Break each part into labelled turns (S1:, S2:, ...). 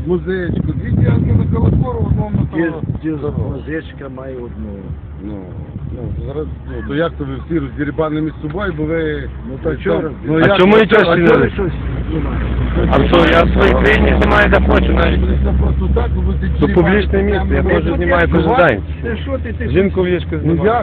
S1: музичку, дві ділянки на колокору, в одному на
S2: Музичка має одну.
S1: Зараз, то як то ви всі роздірібани між собою, бо ви...
S2: то чого?
S3: А чому нічого не знімаєте? А що, я в своїй країні знімаю де хочу навіть.
S1: Просто так, бо ти...
S3: Це публічне місце, я теж знімаю кожен день. Жінку в ліжку знімаю.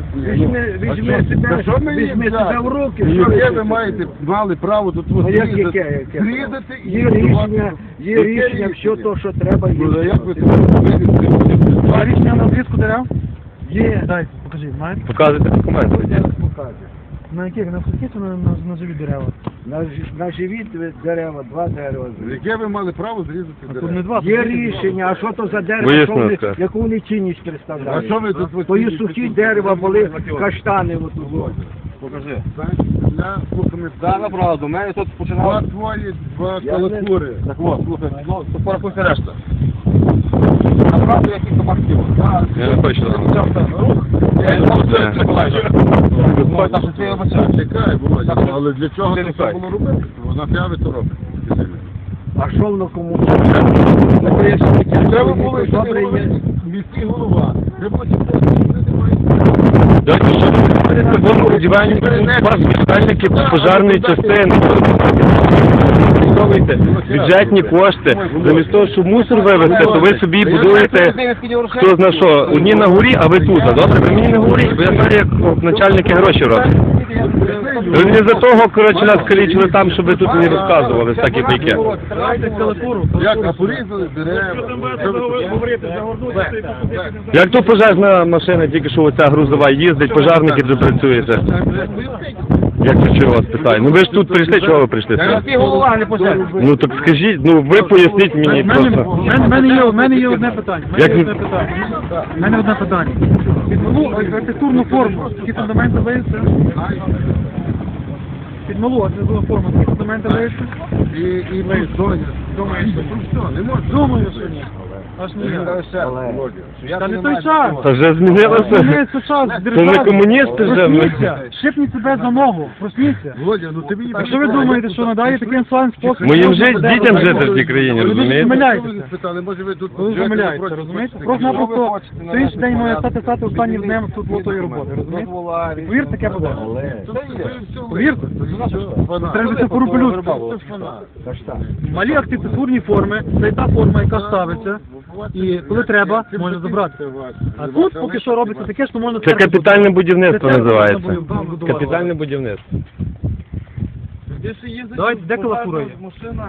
S2: Візьми себе в руки.
S1: Яке ви мали право тут зрізати і...
S2: Є рішення, все то, що треба є.
S1: Ну, як ви себе...
S4: А рішення на обрізку дерев?
S2: Є.
S4: Дайте, покажіть, знаєте?
S3: Показуйте документи.
S2: Покажу.
S4: На яких? На сухі чи на живі дерева?
S2: На живі дерева, два дерева.
S1: Яке ви мали право зрізати
S4: А тут
S1: дерева?
S4: не два.
S2: Є рішення, а що то за дерево,
S3: Висновка.
S2: яку вони цінність
S1: А
S2: представляють?
S1: що ви тут...
S2: То є сухі дерева, були каштани отут.
S5: Покажи.
S1: Для слухами...
S5: Так, направду, у мене тут починало...
S1: Два твої, два колокури.
S5: Так от, слухай, ну, то порахуйся решта. Направду, я кілька марків.
S3: Я не хочу там.
S5: Я не можу це Миколаївна. Виходить наше твоє обіцяння.
S1: Чекай, Володя, але для чого
S5: Ти
S1: це
S5: лікай.
S1: було робити? Вона п'яви то робить.
S2: А що воно кому?
S1: Треба було, що
S2: Добре є.
S1: міський голова. Треба було,
S3: Дайте, що ви будівельники, спеціальники пожежної частини. Використовуйте бюджетні кошти. Замість того, щоб мусор вивезти, то ви собі будуєте хто зна що. Одні на горі, а ви тут. Добре? Ви мені не говоріть, бо я знаю, як начальники гроші роблять. Ви не за того, коротше, нас калічили там, щоб ви тут не розказували всякі байки.
S1: як порізали дерева.
S3: Як то пожежна машина, тільки що оця грузова їздить, пожежники де працюєте? Як це чого вас питаю? Ну ви ж тут прийшли, чого ви прийшли?
S5: Ти голова, не пожежна.
S3: Ну так скажіть, ну ви поясніть мені просто.
S4: У мене є одне питання. У мене одне питання. Під малу архітектурну форму, які фундаменти виявляться? Під малу архітектурну форму, які фундаменти виявляться?
S1: І ми думаєш, що все, не можна.
S4: Думаю, що ні. Аж ніяк. Та не той час.
S3: Та вже змінилося.
S4: Змінився час,
S3: Це не
S4: держава.
S3: комуністи вже.
S4: Просніться, шипніть себе за ногу, просніться.
S1: Володя, ну ти мені...
S4: Якщо ви думаєте, що надає таким своїм способом...
S3: Моїм дітям жити в цій країні,
S4: Ви
S3: розумієте?
S4: помиляєтеся.
S1: Спитали, може ви тут...
S4: Ви помиляєтеся, розумієте? Просто-напросто сьогоднішній день має стати останнім днем тут лотої роботи, розумієте? Повірте, таке буде. Повірте. Треба це порупелюдськи. Малі архітектурні форми, це та форма, яка ставиться, і коли треба, можна забрати. А тут поки що робиться таке, що можна...
S3: Це капітальне будівництво
S4: Це
S3: називається.
S4: будувати.
S3: Капітальне будівництво.
S4: Давайте, де колокура є?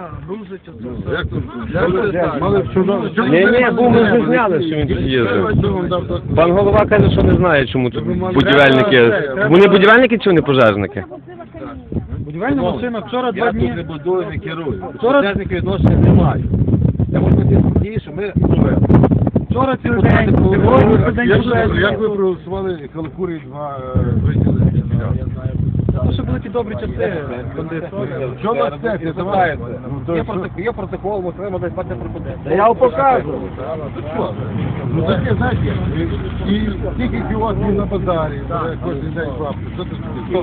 S3: Ні, бо ми вже зняли, що він тут їздив. Пан голова каже, що не знає, чому тут будівельники. Вони будівельники чи вони пожежники?
S4: Будівельна машина вчора 2 дні...
S5: не будую, не керую.
S4: Вчора-
S5: Пожежники відношення не мають. Я можу бути спокійний, що ми живемо.
S4: Вчора цілий день, сьогодні цілий день пожежні.
S1: Як ви проголосували колокури два виділи?
S4: Це ще були ті добрі часи, бандитські.
S1: Що на степі?
S5: Є протокол, ми треба дати пропозицію.
S2: Та я вам покажу.
S1: Ну таке, знаєте, і тільки кіосків на базарі, кожен день бабки. Що ти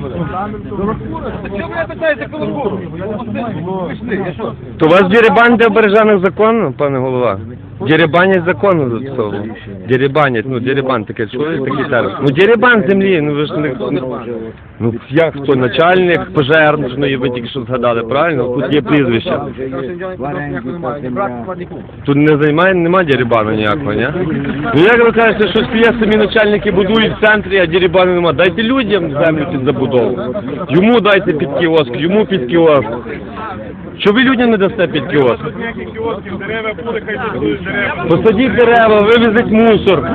S5: Чому ви питаєте колокуру? Пішли, я що?
S3: То у вас дерибан для обережених законно, пане голова? Дерибанять законно за цього. Дерибанять, ну дерибан таке, чули такий термін? Ну дерибан землі, ну ви ж не... Ну як хто, начальник пожежної, ви тільки що згадали, правильно? Тут є прізвище. Тут не займає, нема дерибану ніякого, ні? Ну як ви кажете, що є самі начальники будують в центрі, а дерибану нема? Дайте людям землю під забудову. Йому дайте під кіоск, йому під кіоск. Що ви людям не дасте під кіоск? Посадіть дерева, вивезіть мусор.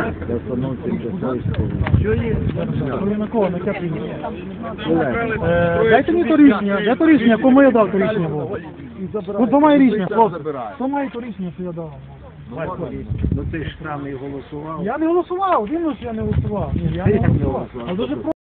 S4: На кого? На яке прийняття? Дайте мені то рішення. Де то рішення? Кому я дав то рішення було? От то має рішення, хлопці. Хто має то рішення, що я дав?
S2: Ну ти ж там і голосував.
S4: Я не голосував, він що я не голосував. Ні, я не голосував. Але дуже